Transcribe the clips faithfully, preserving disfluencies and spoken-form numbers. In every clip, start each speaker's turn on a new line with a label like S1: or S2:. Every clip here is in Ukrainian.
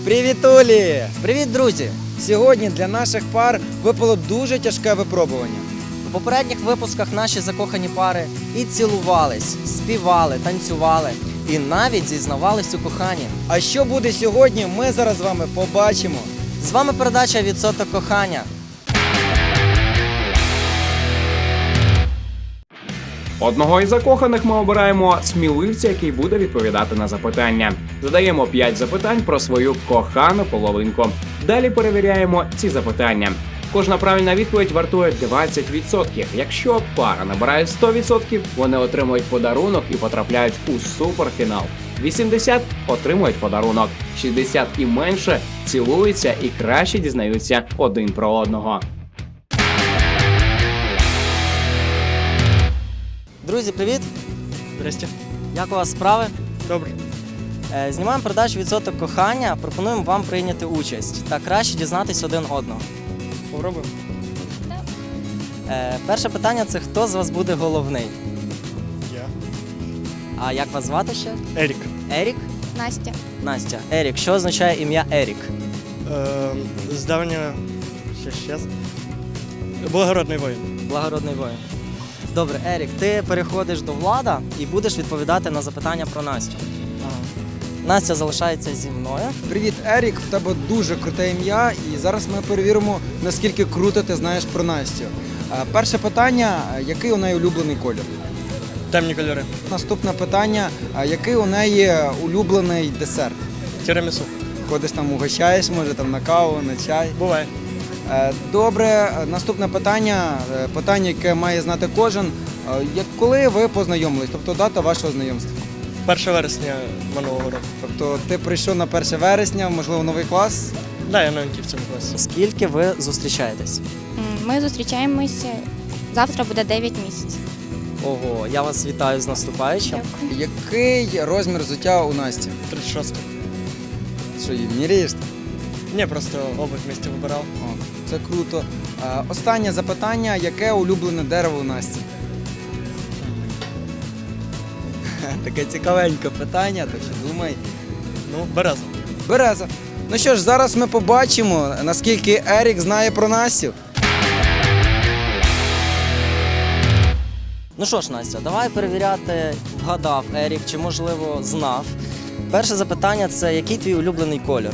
S1: Привіт, Олі!
S2: Привіт, друзі!
S1: Сьогодні для наших пар випало дуже тяжке випробування.
S2: У попередніх випусках наші закохані пари і цілувались, співали, танцювали і навіть зізнавались у коханні.
S1: А що буде сьогодні, ми зараз з вами побачимо.
S2: З вами передача «Відсоток кохання».
S3: Одного із закоханих ми обираємо сміливця, який буде відповідати на запитання. Задаємо п'ять запитань про свою кохану половинку. Далі перевіряємо ці запитання. Кожна правильна відповідь вартує двадцять відсотків. Якщо пара набирає сто відсотків, вони отримують подарунок і потрапляють у суперфінал. вісімдесят отримують подарунок, шістдесят і менше цілуються і краще дізнаються один про одного.
S2: Друзі, привіт!
S1: Здрасте.
S2: Як у вас справи?
S1: Добре.
S2: Е, Знімаємо передачу «Відсоток кохання». Пропонуємо вам прийняти участь та краще дізнатись один одного.
S1: Попробуємо.
S2: Е, Перше питання – це хто з вас буде головний?
S1: Я.
S2: А як вас звати ще?
S1: Ерік.
S2: Ерік?
S4: Настя.
S2: Настя. Ерік. Що означає ім'я Ерік?
S5: Е, з давнього... ще щас. Благородний воїн.
S2: Благородний воїн. Добре, Ерік, ти переходиш до Влада і будеш відповідати на запитання про Настю.
S5: Ага.
S2: Настя залишається зі мною.
S1: Привіт, Ерік, в тебе дуже круте ім'я, і зараз ми перевіримо, наскільки круто ти знаєш про Настю. Е, Перше питання, який у неї улюблений колір?
S5: Темні кольори.
S1: Наступне питання, а який у неї улюблений десерт?
S5: Тірамісу.
S1: Ходиш там, угощаєш, може там на каву, на чай.
S5: Буває.
S1: Е, Добре, е, наступне питання, е, питання, яке має знати кожен. Е, Як коли ви познайомились, тобто дата вашого знайомства?
S5: перше вересня минулого року.
S1: Тобто ти прийшов на перше вересня, можливо, новий клас?
S5: Да, я новенький в цьому класі.
S2: Скільки ви зустрічаєтесь?
S4: М, Ми зустрічаємося. Завтра буде дев'ять місяців.
S2: Ого, я вас вітаю з наступаючим.
S4: Дякую.
S1: Який розмір взуття у Насті?
S5: тридцять шостий.
S1: Що її міряєш?
S5: Ні, просто обувь місті вибирав.
S1: О, це круто. Е, Останнє запитання, яке улюблене дерево у Насті? Таке цікавеньке питання, так що думай.
S5: Ну, береза.
S1: Береза. Ну що ж, зараз ми побачимо, наскільки Ерік знає про Настю.
S2: Ну що ж, Настя, давай перевіряти, вгадав Ерік, чи, можливо, знав. Перше запитання – це який твій улюблений колір?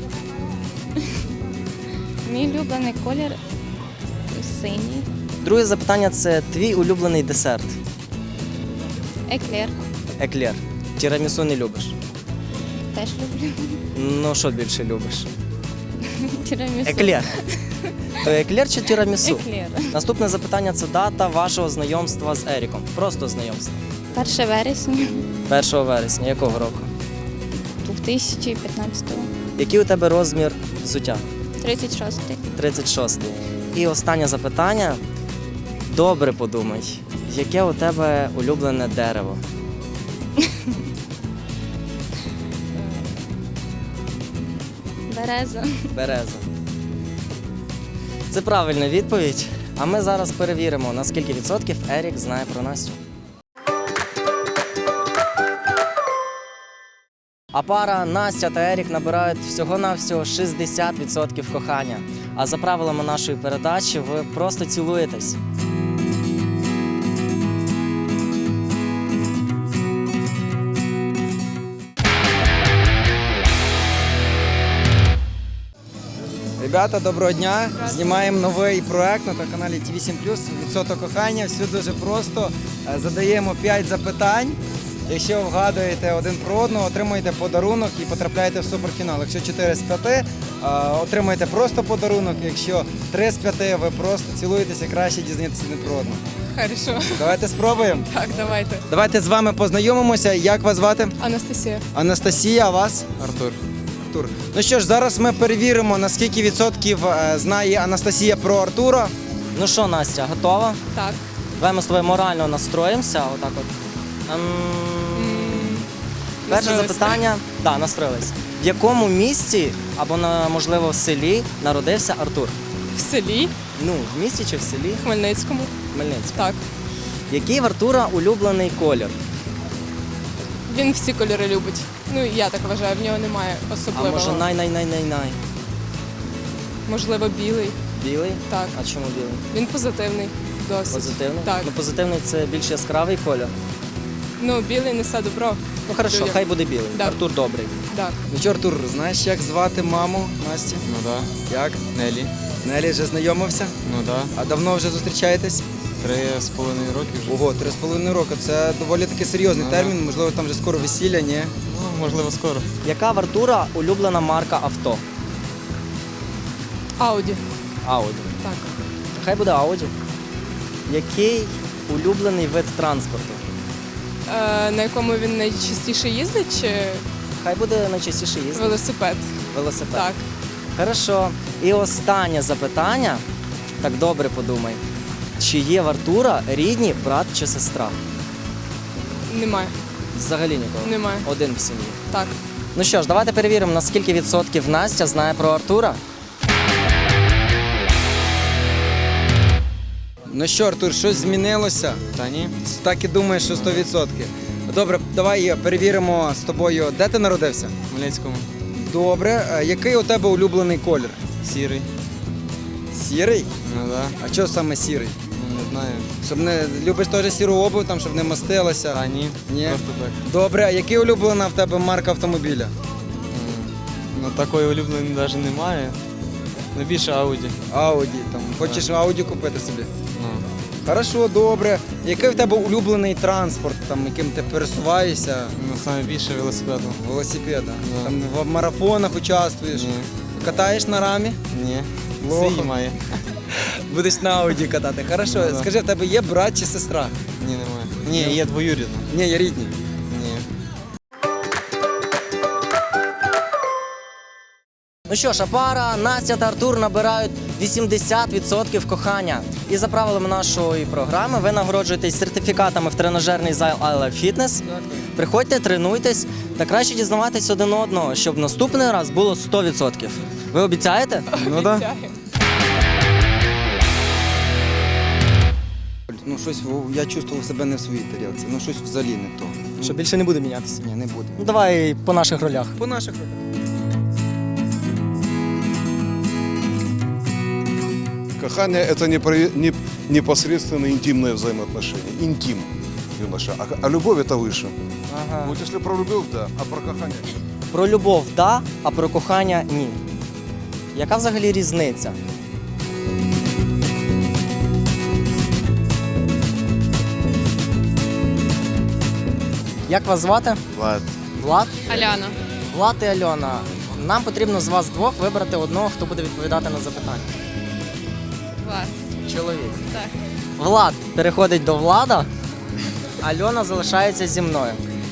S4: Мій улюблений колір синій.
S2: Друге запитання – це твій улюблений десерт?
S4: Еклер.
S2: Еклер. Тірамісу не любиш?
S4: Теж люблю.
S2: Ну, що більше любиш?
S4: Тірамісу.
S2: Еклер. То еклер чи тірамісу?
S4: Еклер.
S2: Наступне запитання – це дата вашого знайомства з Еріком. Просто знайомство.
S4: перше вересня
S2: першого вересня. Якого року?
S4: дві тисячі п'ятнадцятого.
S2: Який у тебе розмір взуття?
S4: тридцять шостий.
S2: тридцять шостий. І останнє запитання. Добре подумай, яке у тебе улюблене дерево?
S4: Береза.
S2: Береза. Це правильна відповідь. А ми зараз перевіримо, на скільки відсотків Ерік знає про Настю. А пара Настя та Ерік набирають всього-навсього шістдесят відсотків кохання. А за правилами нашої передачі ви просто цілуєтесь.
S1: Ребята, доброго дня! Знімаємо новий проект на каналі Ті вісім плюс «Відсоток кохання». Все дуже просто. Е, Задаємо п'ять запитань. Якщо вгадуєте один про одного, отримуєте подарунок і потрапляєте в суперфінал. Якщо чотири з п'яти, е, отримуєте просто подарунок. Якщо три з п'яти, ви просто цілуєтеся і краще дізнаєтеся один про одного.
S6: Хорошо.
S1: Давайте спробуємо.
S6: Так, давайте.
S1: Давайте з вами познайомимося. Як вас звати?
S6: Анастасія.
S1: Анастасія, а вас?
S5: Артур.
S1: Артур. Ну що ж, зараз ми перевіримо, на скільки відсотків е, знає Анастасія про Артура.
S2: Ну що, Настя, готова?
S6: Так.
S2: Давай ми з тобою морально настроїмося. Отак от. Ем, Перше
S6: Настроїлися.
S2: запитання. Так, настроїлись. В якому місті або, на, можливо, в селі народився Артур?
S6: В селі
S2: Ну, в місті чи в селі?
S6: Хмельницькому.
S2: Хмельницький.
S6: Так.
S2: Який в Артура улюблений колір?
S6: Він всі кольори любить. Ну, я так вважаю, в нього немає
S2: А
S6: особливого.
S2: може най-най-най-най-най?
S6: Можливо, білий.
S2: Білий?
S6: Так.
S2: А чому білий?
S6: Він позитивний досить.
S2: Позитивний?
S6: Так.
S2: Ну, позитивний це більш яскравий колір.
S6: Ну, білий несе добро.
S2: Ну, хорошо,
S6: Людям.
S2: хай буде білий.
S6: Да.
S2: Артур добрий.
S6: Так.
S1: Ну що, Артур, знаєш, як звати маму Насті?
S7: Ну да.
S1: Як?
S7: Нелі.
S1: Нелі вже знайомився?
S7: Ну да.
S1: А давно вже зустрічаєтесь?
S7: Три з половиною роки вже.
S1: Ого, три з половиною роки. Це доволі таки серйозний
S7: Ага.
S1: термін, можливо, там вже скоро весілля, ні?
S7: Ну, можливо, скоро.
S2: Яка в Артура улюблена марка авто?
S6: Ауді.
S2: Ауді.
S6: Так.
S2: Хай буде Ауді. Який улюблений вид транспорту?
S6: Е, на якому він найчастіше їздить, чи
S2: Хай буде найчастіше їздити.
S6: велосипед?
S2: Велосипед.
S6: Так.
S2: Хорошо. І останнє запитання. Так добре подумай. Чи є в Артура рідні брат чи сестра?
S6: Немає.
S2: Взагалі нікого.
S6: Немає.
S2: Один в сім'ї.
S6: Так.
S2: Ну що ж, давайте перевіримо, на скільки відсотків Настя знає про Артура.
S1: Ну що, Артур, щось змінилося?
S7: Та ні.
S1: Так і думаєш, що сто відсотків. Добре, давай перевіримо з тобою, де ти народився?
S7: В Хмельницькому.
S1: Добре. Е, Який у тебе улюблений колір?
S7: Сірий.
S1: Сірий?
S7: Ну да.
S1: А чого саме сірий?
S7: Ну, не знаю.
S1: Щоб не любиш теж сіру обув, там, щоб не мастилася?
S7: Та ні.
S1: Ні.
S7: Просто так.
S1: Добре, а який улюблена в тебе марка автомобіля?
S7: М. Ну, такої улюбленої навіть немає. Ну, більше Ауді.
S1: Ауді. Там. Хочеш Ауді купити собі?
S7: Ну.
S1: Хорошо, добре. Який в тебе улюблений транспорт, там, яким ти пересуваєшся?
S7: Ну, саме більше велосипеду.
S1: Велосипеда.
S7: Да.
S1: Там в марафонах участвуєш.
S7: Ні.
S1: Катаєш на рамі?
S7: Ні.
S1: Плохо.
S7: Свій має.
S1: Будеш на Ауді катати. Хорошо,
S7: Ну, да.
S1: скажи, в тебе є брат чи сестра?
S7: Ні, немає. Ні, є двоюрідна.
S1: Ні, є рідні.
S7: Ні.
S2: Ну що ж, а пара Настя та Артур набирають вісімдесят відсотків кохання. І за правилами нашої програми ви нагороджуєтесь сертифікатами в тренажерний зал I Love Fitness. Приходьте, тренуйтесь та краще дізнаватись один одного, щоб наступний раз було сто відсотків. Ви обіцяєте?
S1: Ну да.
S6: Обіцяю.
S1: Ну щось в- я чувствував себе не в своїй тарілці. Ну щось взагалі не то.
S2: Що більше не буде мінятися.
S1: Ні, не буде.
S2: Ну давай по наших ролях.
S1: По наших роках.
S8: Кохание – это не, про- не- непосредственно интимное взаимоотношение. Интим, юноша. А, а любовь – это выше.
S2: Ага.
S8: Вот если про любовь – да, а про кохание – нет.
S2: Про любов – да, а про кохання – ні. Яка взагалі різниця? Як вас звати?
S7: Влад.
S2: Влад?
S6: Аляна.
S2: Влад і Альона. Нам потрібно з вас двох вибрати одного, хто буде відповідати на запитання.
S6: Влад.
S2: Чоловік.
S6: Так.
S2: Влад переходить до Влада, Альона залишається зі мною.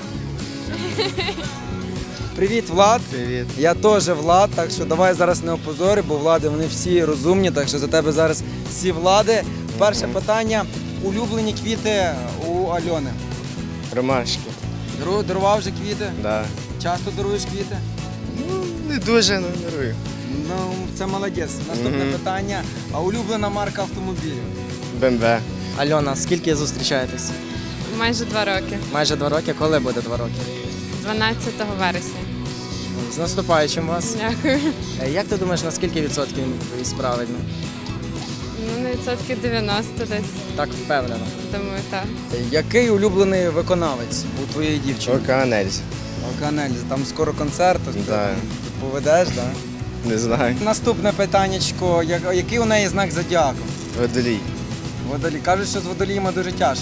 S1: Привіт, Влад.
S7: Привіт.
S1: Я теж Влад, так що давай зараз не опозори, бо влади вони всі розумні, так що за тебе зараз всі влади. Перше питання. Улюблені квіти у Альони.
S7: Ромашки.
S1: Дару- Дарував вже квіти?
S7: Да.
S1: Часто даруєш квіти?
S7: Ну, не дуже, ну, дарую.
S1: Ну, це молодець. Наступне
S7: Мгм.
S1: питання. А улюблена марка автомобілів?
S7: БМВ.
S2: Альона, скільки зустрічаєтесь?
S6: Майже два роки.
S2: Майже два роки. Коли буде два роки?
S6: дванадцятого вересня.
S2: З наступаючим вас.
S6: Дякую.
S2: Е, Як ти думаєш, на скільки відсотків він відповість правильно?
S6: Ну, на відсотків дев'яносто десь,
S2: Так впевнено.
S6: думаю, так.
S1: Який улюблений виконавець у твоєї дівчини?
S7: Океанельз.
S1: Океанельза. Там скоро концерт, ось
S7: Да.
S1: ти поведеш, так?
S7: Не знаю.
S1: Наступне питаннячко. Я- Який у неї знак зодіаку?
S7: Водолій.
S1: Водолій. Кажуть, що з водоліями дуже тяжко.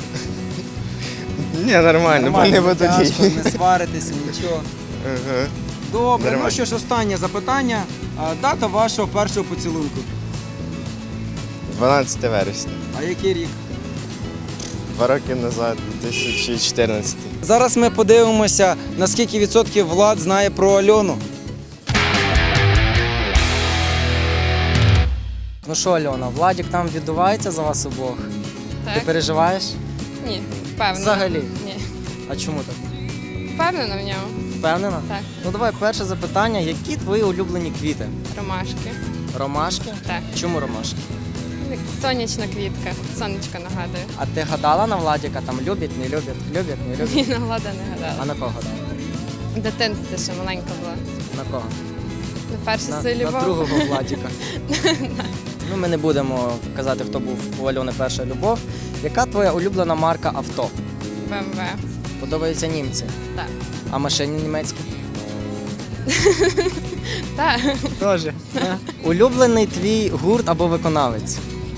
S7: Ні, нормально, бо не водолій.
S1: тяжко, не сваритися, нічого.
S7: Ага.
S1: Добре, ну
S7: Нормально.
S1: що ж, останнє запитання. А, Дата вашого першого поцілунку.
S7: дванадцяте вересня.
S1: А який рік?
S7: Два роки назад, дві тисячі чотирнадцятий.
S1: Зараз ми подивимося, наскільки відсотків Влад знає про Альону.
S2: Ну що, Альона, Владік там віддувається за вас обох? Ти
S6: Так?
S2: переживаєш?
S6: Ні, впевнена.
S2: Взагалі?
S6: Ні.
S2: А чому так?
S6: Впевнена в ньому.
S2: Впевнена?
S6: Так.
S2: Ну давай перше запитання. Які твої улюблені квіти?
S6: Ромашки.
S2: Ромашки?
S6: Так.
S2: Чому ромашки?
S6: Сонячна квітка. Сонечко нагадує.
S2: А ти гадала на Владіка, там любить, не любить, любить, не любить?
S6: Ні, на Влада не гадала.
S2: А на кого гадала?
S6: В дитинстві ще маленька була.
S2: На кого?
S6: На першій
S2: На,
S6: силі
S2: на другого Владіка. Ну, ми не будемо казати, хто був у Альони перша любов. Яка твоя улюблена марка авто?
S6: БМВ.
S2: Подобаються німці?
S6: Так.
S2: А машини німецькі?
S6: Так.
S2: Тоже. Улюблений твій гурт або виконавець?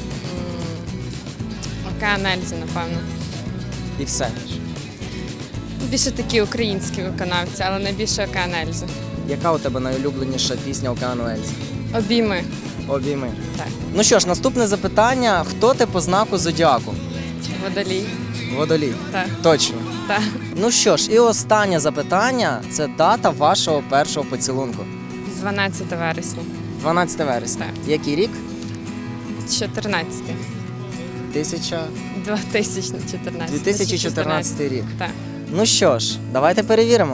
S6: Океан Ельзи, напевно.
S2: І все.
S6: Більше такі українські виконавці, але найбільше Океан Ельзи.
S2: Яка у тебе найулюбленіша пісня Океану Ельзи?
S6: Обійми.
S2: Обійми.
S6: Так.
S2: Ну що ж, наступне запитання. Хто ти по знаку зодіаку?
S6: Водолій.
S2: Водолій.
S6: Так.
S2: Точно.
S6: Так.
S2: Ну що ж, і останнє запитання це дата вашого першого поцілунку.
S6: дванадцяте вересня.
S2: дванадцяте вересня.
S6: Так.
S2: Який рік?
S6: чотирнадцяте.
S2: Тисяча...
S6: дві тисячі чотирнадцятий.
S2: дві тисячі чотирнадцятий рік.
S6: Так.
S2: Ну що ж, давайте перевіримо.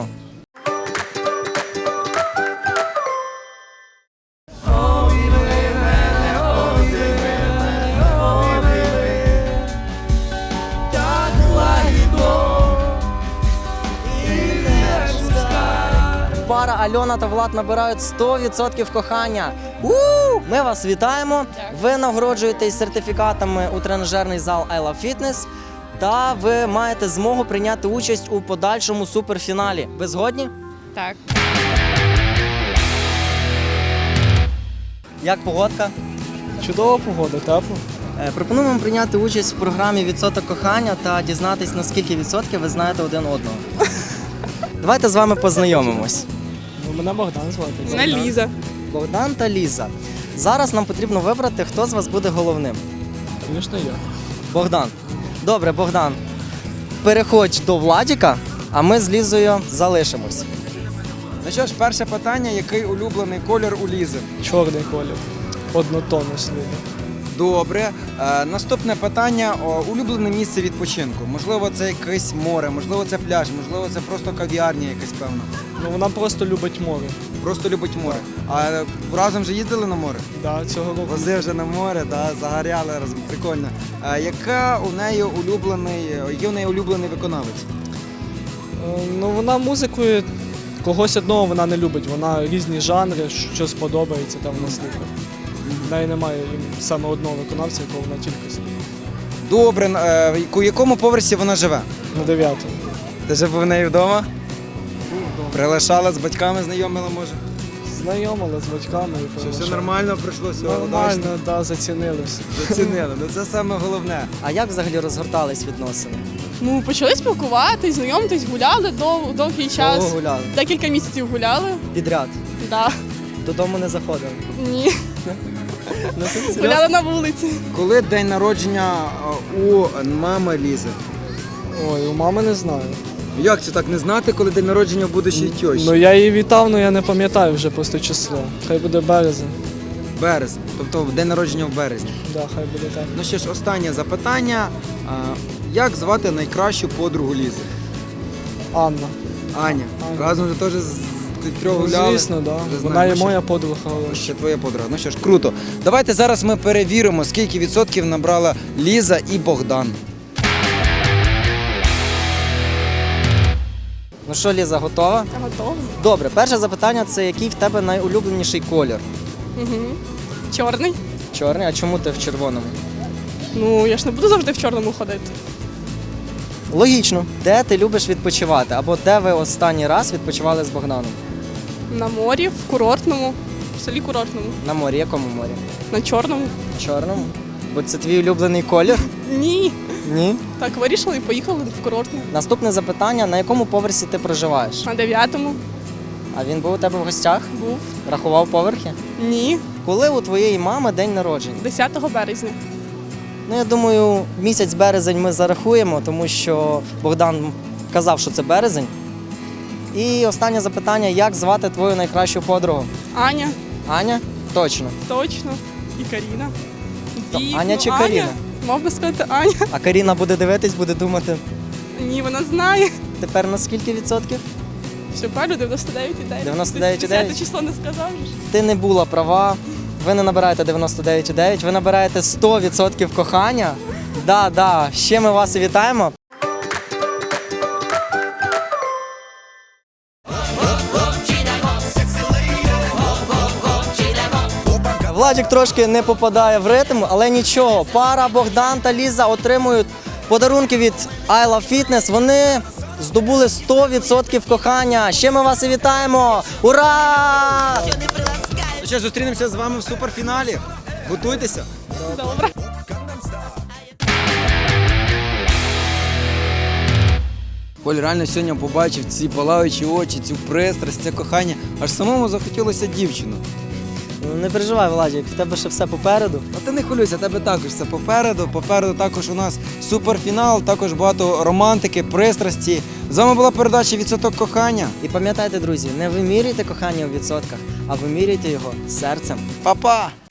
S2: Пара Альона та Влад набирають сто відсотків кохання. У! Ми вас вітаємо.
S6: Дякую.
S2: Ви нагороджуєтесь сертифікатами у тренажерний зал I Love Fitness. Та ви маєте змогу прийняти участь у подальшому суперфіналі. Ви згодні?
S6: Так.
S2: Як погодка?
S5: Чудова погода, тепло.
S2: Е, Пропонуємо вам прийняти участь в програмі «Відсоток кохання» та дізнатись, на скільки відсотків ви знаєте один одного. Давайте з вами познайомимось.
S5: Ну, мене Богдан звати.
S6: Мене Ліза.
S2: Богдан та Ліза. Зараз нам потрібно вибрати, хто з вас буде головним.
S5: Звісно, я.
S2: Богдан. Добре, Богдан. Переходь до Владіка, а ми з Лізою залишимось.
S1: Ну що ж, перше питання, який улюблений колір у Лізи?
S5: Чорний колір. Однотонно сліди.
S1: Добре. Е, наступне питання. О, улюблене місце відпочинку. Можливо, це якесь море, можливо, це пляж, можливо, це просто кав'ярня якась певна.
S5: Ну, вона просто любить море.
S1: Просто любить море. А разом вже їздили на море?
S5: Да, цього року.
S1: Возив вже на море, да, загоряли разом. Прикольно. А яка у неї улюблений, який у неї улюблений виконавець?
S5: Е, Ну, вона музикою когось одного вона не любить. Вона різні жанри, що сподобається, там вона слухає. В неї немає саме одного виконавця, якого вона тільки слухає.
S1: Добре. Е, у якому поверсі вона живе?
S5: На дев'ятому.
S1: Ти жив у неї вдома? Прилишала з батьками, знайомила, може?
S5: Знайомила з батьками і
S1: Що все
S5: приглашала.
S1: нормально пройшло, все
S5: Нормально, так, да, зацінили все.
S1: зацінили. Ну це саме головне.
S2: А як взагалі розгортались відносини?
S9: Ну, почали спілкуватись, знайомитись, гуляли дов, довгий час.
S2: Довго гуляли?
S9: Декілька місяців гуляли.
S2: Підряд.
S9: Да.
S2: Додому не заходили.
S9: Ні.
S2: Ну, ти серйозно?
S9: Гуляли на вулиці.
S1: Коли день народження е, у мами Лізи?
S5: Ой, у мами не знаю.
S1: Як це так не знати, коли день народження у будущої тьощі?
S5: Ну я її вітав, але я не пам'ятаю вже просто число. Хай буде березень.
S1: Березень, тобто день народження в березні.
S5: Да, хай буде так.
S1: Ну що ж, останнє запитання. А, як звати найкращу подругу Лізи?
S5: Анна.
S1: Аня.
S5: Аня.
S1: Разом вже теж з трьох
S5: Ну,
S1: гуляли.
S5: звісно, да.
S1: Вже
S5: Вона
S1: знаємо,
S5: є
S1: що-
S5: моя подруга. але
S1: Ще твоя подруга. Ну що ж, круто. Давайте зараз ми перевіримо, скільки відсотків набрала Ліза і Богдан.
S2: Ну що, Ліза, готова?
S9: Я готова.
S2: Добре, перше запитання це який в тебе найулюбленіший колір?
S9: Угу. Чорний.
S2: Чорний, а чому ти в червоному?
S9: Ну, я ж не буду завжди в чорному ходити.
S2: Логічно. Де ти любиш відпочивати? Або де ви останній раз відпочивали з Богданом?
S9: На морі, в курортному, в селі курортному.
S2: На морі, якому морі?
S9: На чорному.
S2: Чорному? Бо це твій улюблений колір?
S9: Ні.
S2: Ні.
S9: Так, вирішили і поїхали в курортне.
S2: Наступне запитання: на якому поверсі ти проживаєш?
S9: На дев'ятому
S2: А він був у тебе в гостях?
S9: був.
S2: Рахував поверхи?
S9: Ні.
S2: Коли у твоєї мами день народження?
S9: десятого березня.
S2: Ну, я думаю, місяць березень ми зарахуємо, тому що Богдан казав, що це березень. І останнє запитання: як звати твою найкращу подругу?
S9: Аня,
S2: Аня? Точно.
S9: точно. І Каріна.
S2: То
S9: Дійсно,
S2: Аня чи Каріна?
S9: Мав би сказати Аня.
S2: А Каріна буде дивитись, буде думати,
S9: Ні, вона знає.
S2: тепер на скільки відсотків?
S9: Все правильно, дев'яносто дев'ять і дев'ять.
S2: дев'яносто дев'ять і дев'ять?
S9: десяте число не сказав же ж.
S2: Ти не була права. ви не набираєте дев'яносто дев'ять цілих дев'ять, ви набираєте сто відсотків кохання. Да, да, ще ми вас і вітаємо. Владик трошки не попадає в ритм, але нічого. Пара Богдан та Ліза отримують подарунки від I Love Fitness. Вони здобули сто відсотків кохання. Ще ми вас і вітаємо! Ура!
S1: Ну що, зустрінемося з вами в суперфіналі. Готуйтеся.
S9: Добре.
S1: Коль реально сьогодні побачив ці палаючі очі, цю пристрасть, це кохання. Аж самому захотілося дівчину.
S2: Ну, не переживай, Владик, в тебе ще все попереду.
S1: А ти не хвилюйся, тебе також все попереду. Попереду також у нас суперфінал, також багато романтики, пристрасті. З вами була передача «Відсоток кохання».
S2: І пам'ятайте, друзі, не вимірюйте кохання у відсотках, а вимірюйте його серцем.
S1: Па-па!